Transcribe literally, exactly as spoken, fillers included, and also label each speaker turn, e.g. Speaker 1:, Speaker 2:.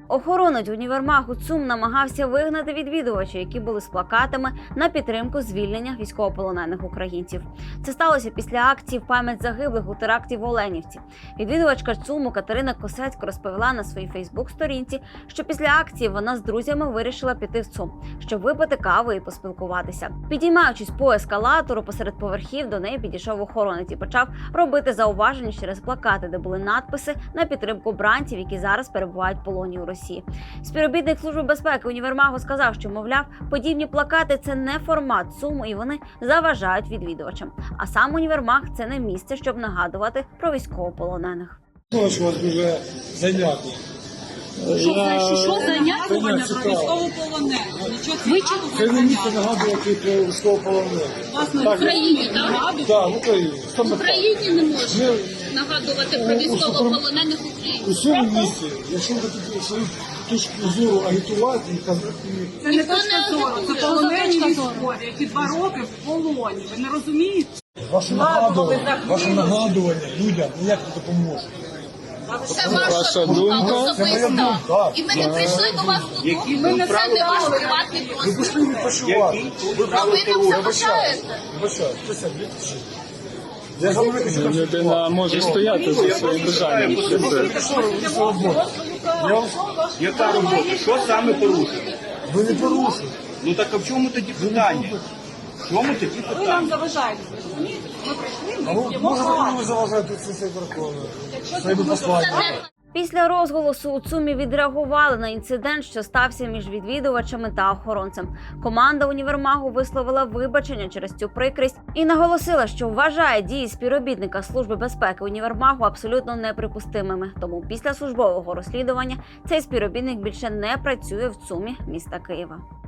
Speaker 1: Охоронець універмагу ЦУМ намагався вигнати відвідувачів, які були з плакатами на підтримку звільнення військовополонених українців. Це сталося після акції в пам'ять загиблих у теракті в Оленівці. Відвідувачка ЦУМу Катерина Косецько розповіла на своїй фейсбук-сторінці, що після акції вона з друзями вирішила піти в ЦУМ, щоб випити каву і поспілкуватися. Підіймаючись по ескалатору посеред поверхів, до неї підійшов охоронець і почав робити зауваження через плакати, де були надписи на підтримку бранців, які зараз перебувають в полоні у Росії. Співробітник Служби безпеки універмагу сказав, що, мовляв, подібні плакати – це не формат ЦУМу і вони заважають відвідувачам. А сам універмаг – це не місце, щоб нагадувати про військовополонених.
Speaker 2: Що у вас дуже занятно?
Speaker 3: Що значить, що занятування про військовополонених? Ви чого
Speaker 2: Це не місце нагадувати про військовополонених.
Speaker 3: власне в Україні, так?
Speaker 2: Так, в Україні.
Speaker 4: В Україні не можна нагадувати про військовополонених
Speaker 2: У
Speaker 4: українців.
Speaker 2: цьому місці, якщо ви тут свою точку зору агітувати і казати,
Speaker 3: Це не точка зору, це полонені військові, які два роки в полоні. Ви не розумієте?
Speaker 2: ваше нагадування, ваше нагадування людям ніяк не допоможе.
Speaker 4: Це ваша думка особиста. І ми не прийшли до вас додому. Це не ваш приватний
Speaker 2: Ви
Speaker 4: простір.
Speaker 2: пішли відпочивати.
Speaker 4: А ви нам заважаєте.
Speaker 2: Вибачаю, присядь, відпочи. Я говорю, що
Speaker 5: Людина може стояти за своїм бажанням.
Speaker 6: Яка робота? Що саме порушили?
Speaker 2: ви не порушили.
Speaker 6: Ну так а в чому тоді питання? В чому тоді
Speaker 3: Ви
Speaker 6: питання?
Speaker 3: нам заважаєте, ви розумієте? Ми прийшли,
Speaker 2: А
Speaker 3: ми
Speaker 2: ви,
Speaker 3: йдемо
Speaker 2: може, ви
Speaker 3: грати.
Speaker 2: не заважаєте це все верховне? Своїми посланнями.
Speaker 1: Після розголосу у ЦУМі відреагували на інцидент, що стався між відвідувачами та охоронцем. Команда універмагу висловила вибачення через цю прикрість і наголосила, що вважає дії співробітника Служби безпеки універмагу абсолютно неприпустимими. Тому після службового розслідування цей співробітник більше не працює в ЦУМі міста Києва.